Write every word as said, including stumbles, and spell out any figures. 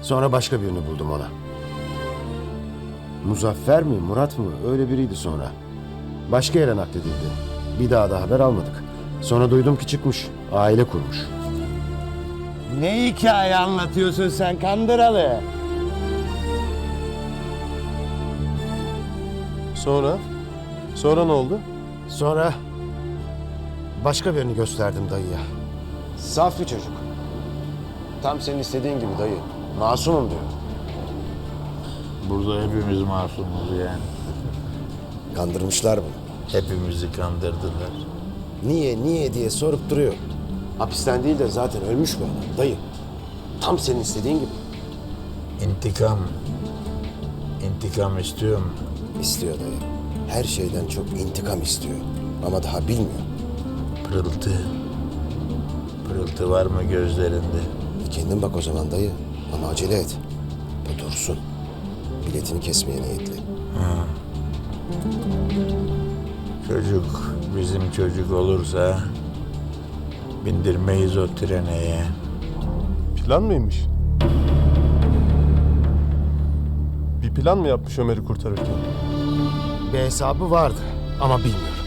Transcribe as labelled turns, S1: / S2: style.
S1: Sonra başka birini buldum ona. Muzaffer mi, Murat mı? Öyle biriydi sonra. Başka yere nakledildi. Bir daha da haber almadık. Sonra duydum ki çıkmış, aile kurmuş.
S2: Ne hikaye anlatıyorsun sen Kandıralı?
S3: Sonra? Sonra ne oldu?
S1: Sonra başka birini gösterdim dayıya. Saf bir çocuk. Tam senin istediğin gibi dayı. Masumum diyor.
S4: Burada hepimiz masumuz yani.
S1: Kandırmışlar bunu.
S4: Hepimizi kandırdılar.
S1: Niye, niye diye sorup duruyor. Hapisten değil de zaten ölmüş bu adam dayı. Tam senin istediğin gibi.
S4: İntikam. İntikam istiyorum.
S1: İstiyor dayı. Her şeyden çok intikam istiyor. Ama daha bilmiyor.
S4: Pırıltı. Pırıltı var mı gözlerinde?
S1: E kendin bak o zaman dayı. Ama acele et. Bu dursun. Biletini kesmeye niyetli.
S4: Çocuk bizim çocuk olursa bindirmeyiz o treneye.
S3: Plan mıymış? Bir plan mı yapmış Ömer'i kurtarırken?
S1: Bir hesabı vardı ama bilmiyorum.